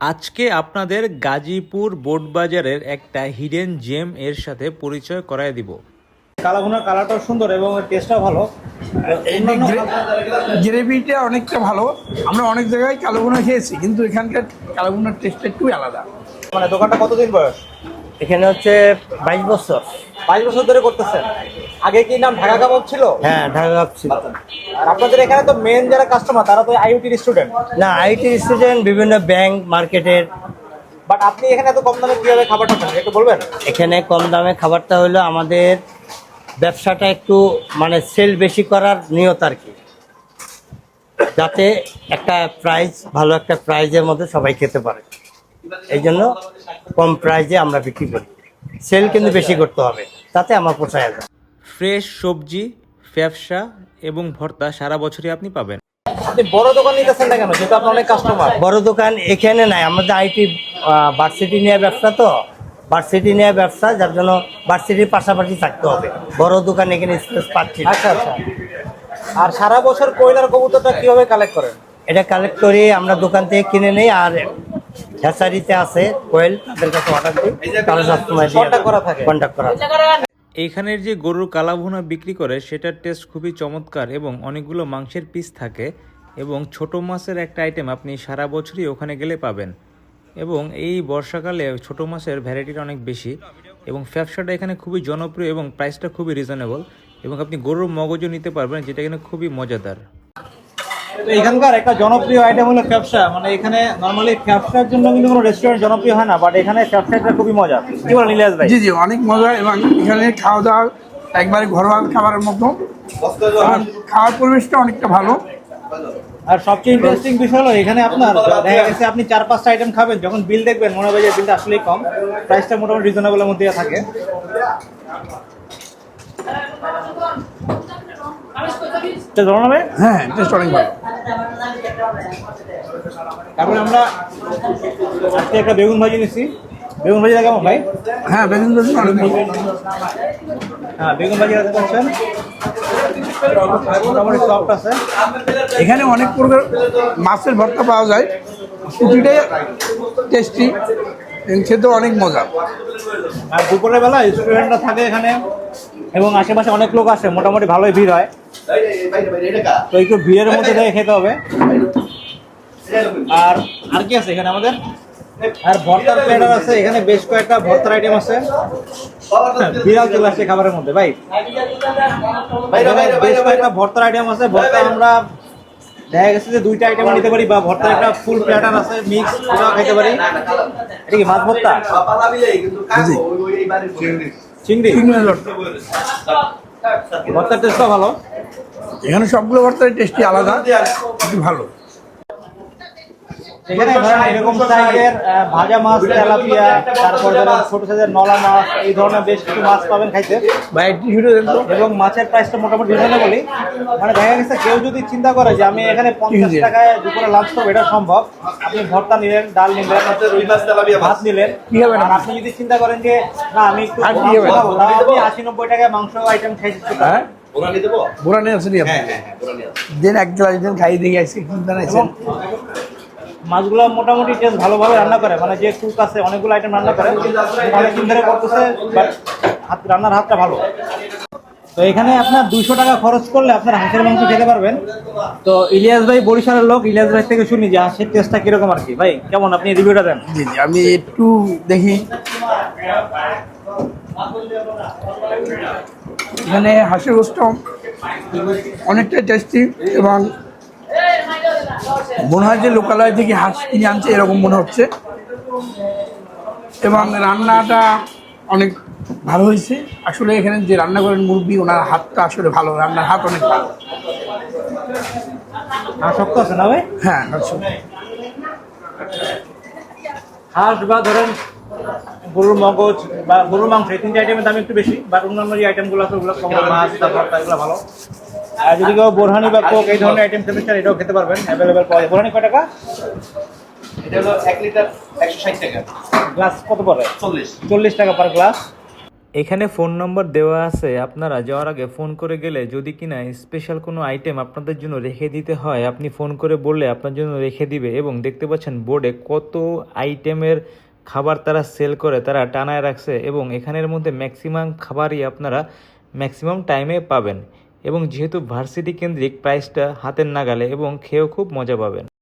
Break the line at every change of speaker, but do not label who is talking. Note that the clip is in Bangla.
আজকে আপনাদের গাজীপুর বোটবাজারের একটা হিডেন জেম এর সাথে পরিচয় করায় দিব।
কালাভুনার কালারটাও সুন্দর এবং টেস্টটাও ভালো।
গ্রেভিটা অনেকটা ভালো। আমরা অনেক জায়গায় কালাভুনা খেয়েছি, কিন্তু এখানকার কালাভুনার টেস্টটা একটু আলাদা।
মানে দোকানটা কতদিন বয়স?
এখানে হচ্ছে 22 বছর।
22 বছর ধরে করতেছেন। আগে কি নাম ঢাকা কাবাব ছিল?
হ্যাঁ, ঢাকা কাপ ছিল।
আর আপনাদের এখানে তো মেন যারা কাস্টমার তারা তো আইইউটির স্টুডেন্ট।
না, আইটি স্টুডেন্ট, বিভিন্ন ব্যাংক, মার্কেটের।
বাট আপনি এখানে এত কম দামে কিভাবে খাবারটা পান একটু বলবেন?
এখানে কম দামে খাবারটা হলো আমাদের ব্যবসাটা একটু মানে সেল বেশি করার নিয়ত আর কি, যাতে একটা প্রাইস, ভালো একটা প্রাইজের মধ্যে সবাই খেতে পারে। এই জন্য কম প্রাইজে আমরা বিক্রি করি। সেল কিন্তু বেশি করতে হবে, তাতে আমার পোষায় যায়।
ফ্রেশ সবজি, ব্যবসা এবং ভর্তা সারা বছরই আপনি পাবেন।
আপনি বড় দোকান নিতেছেন না কেন, যেহেতু আপনার অনেক কাস্টমার?
বড় দোকান এখানে নাই, আমাদের আইটি ভার্সিটি নিয়ে ব্যবসা, তো ভার্সিটি নিয়ে ব্যবসা, যার জন্য ভার্সিটির পাশাপাশি থাকতে হবে। বড় দোকান এখানে স্পেস পাচ্ছি না।
আচ্ছা আচ্ছা। আর সারা বছর কয়লার কবুতরটা কিভাবে কালেক্ট করেন?
এটা কালেক্ট করি আমরা দোকান থেকে কিনে নেই, আর হ্যাচারিতে আছে কোয়েল, তাদের কাছে অর্ডার দিই, তারা সবসময়
কন্ট্যাক্ট করা থাকে।
কন্ট্যাক্ট করা।
এইখানের যে গরুর কালাভুনা বিক্রি করে সেটার টেস্ট খুবই চমৎকার এবং অনেকগুলো মাংসের পিস থাকে এবং ছোট মাছের একটা আইটেম আপনি সারা বছরই ওখানে গেলে পাবেন। এবং এই বর্ষাকালে ছোট মাছের ভ্যারাইটিটা অনেক বেশি এবং ব্যবসাটা এখানে খুবই জনপ্রিয় এবং প্রাইসটা খুবই রিজনেবল এবং আপনি গরুর মগজও নিতে পারবেন, যেটা এখানে খুবই মজাদার।
তো এখানকার একটা জনপ্রিয় আইটেম হলো ক্যাপসা। মানে এখানে নরমালি ক্যাপসার জন্য কিন্তু কোনো রেস্টুরেন্ট জনপ্রিয় হয় না, বাট এখানে ক্যাপসাটা খুবই মজা। কি বলেন ইলিয়াস ভাই?
জি জি, অনেক মজা। এবং এখানে খাওয়া দাওয়া একবারে ঘরোয়া খাবারের মতো। আর খাওয়ার পরিবেশটা অনেকটা ভালো।
আর সবচেয়ে ইন্টারেস্টিং বিষয় হলো এখানে আপনার দেখা গেছে আপনি 4-5টা আইটেম খাবেন, যখন বিল দেখবেন মনে হবে যে বিলটা আসলেই কম, প্রাইসটা মোটামুটি রিজনেবলের মধ্যে থাকে।
হ্যাঁ, টেস্ট অনেক ভালো।
তারপরে আমরা আজকে একটা বেগুন ভাজি নিচ্ছি। বেগুন ভাজিটা কেমন ভাই?
হ্যাঁ, বেগুন ভাজি অনেক ভালো।
হ্যাঁ, বেগুন ভাজি দেখতে পাচ্ছেন মোটামুটি সফট আছে।
এখানে অনেক প্রকার মাছের ভর্তা পাওয়া যায়, প্রতিটাই টেস্টি, খেতে অনেক মজা।
আর দুপুরের বেলা স্টুডেন্টরা থাকে এখানে এবং আশেপাশে অনেক লোক আসে, মোটামুটি ভালোই ভিড় হয়। তো একটু ভিড়ের মধ্যে থেকে খেতে হবে। আর আর কি আছে এখানে আমাদের? আর ভর্তার প্লেটার আছে, এখানে বেশ কয়েকটা ভর্তার আইটেম আছে। বিড়াল চলে আসছে খাবারের মধ্যে ভাই। বেশ কয়েকটা ভর্তার আইটেম আছে। ভর্তা আমরা দেখা গেছে যে 2টা আইটেম নিতে পারি, বা ভর্তার একটা ফুল প্লেটার আছে মিক্স, ওটাও খেতে পারি। এটা কি মাছ ভর্তা? চিংড়ি ভর্তার টেস্টটা ভালো।
এখানে সবগুলো ভর্তার টেস্টি আলাদা, একটু ভালো।
এখানে ধরেন এরকম সাইজের ভাজা মাছ, তেলাপিয়া, তারপর ধরেন ছোট সাইজের নলা মাছ, এই ধরনের বেশ কিছু মাছ পাবেন খাইতে। এবং মাছের প্রাইসটা মোটামুটি রিজনেবলই। মানে দেখা গেছে কেউ যদি চিন্তা করে যে আমি এখানে 50 টাকায় দুপুরে লাঞ্চ করবো, এটা সম্ভব। আপনি ভর্তা নিলেন, ডাল নিলেন, ভাত নিলেন, আর আপনি যদি চিন্তা করেন যে না আমি একটু খাবো, তাহলে আপনি 80-90 টাকায় মাংস আইটেম খাইতে পারেন।
বোরা নিয়ে আসেনি আপনি? দিন এক গ্লাস দিন খাইয়ে দিয়ে গেছি, চিন্তা নাই।
মাছগুলো মোটামুটি টেস্ট ভালোভাবে রান্না করে, মানে যে কুক আছে অনেকগুলো আইটেম রান্না করে, অনেকদিন ধরে করতেছে, রান্নার হাতটা ভালো। তো এখানে আপনার 200 টাকা খরচ করলে আপনার হাঁসের মাংস খেতে পারবেন। তো ইলিয়াস ভাই বরিশালের লোক, ইলিয়াস ভাই থেকে শুনি যে হাঁসের টেস্টটা কিরকম আর কি। ভাই কেমন, আপনি রিভিউটা দেন।
জি জি, আমি একটু দেখি। এখানে হাঁসের গোস্ত অনেকটা টেস্টি এবং মনে হয় যে লোকালয় থেকে হাঁস কিনে আনছে এরকম মনে হচ্ছে। এবং রান্নাটা অনেক ভালো হয়েছে। আসলে এখানে যে রান্না করেন মুরব্বি, ওনার হাতটা আসলে ভালো, রান্নার হাত অনেক ভালো।
হাঁস শক্ত আছে না ভাই?
হ্যাঁ,
হাঁস বা ধরেন গরুর মগজ বা গরুর মাংস, এই 3টে আইটেমের দাম একটু বেশি, বাট অন্যান্য যে আইটেমগুলো আছে ওগুলো কম, মাছ তারপর এগুলো ভালো। আর যদি কেউ বোরহানি বা কোক এই ধরনের আইটেম খেতে চান, এটাও খেতে পারবেন, অ্যাভেলেবেল পাওয়া যায়। বোরহানি কয় টাকা?
এটা হলো 1 লিটার 160 টাকা।
গ্লাস কত পড়ে?
40
40 টাকা পার গ্লাস।
এখানে ফোন নম্বর দেওয়া আছে, আপনারা যাওয়ার আগে ফোন করে গেলে যদি কিনা স্পেশাল কোনো আইটেম আপনাদের জন্য রেখে দিতে হয়, আপনি ফোন করে বললে আপনার জন্য রেখে দিবে। এবং দেখতে পাচ্ছেন বোর্ডে কত আইটেমের খাবার তারা সেল করে, তারা টানায় রাখছে এবং এখানের মধ্যে ম্যাক্সিমাম খাবারই আপনারা ম্যাক্সিমাম টাইমে পাবেন। এবং যেহেতু ভার্সিটি কেন্দ্রিক, প্রাইসটা হাতের নাগালে এবং খেয়েও খুব মজা পাবেন।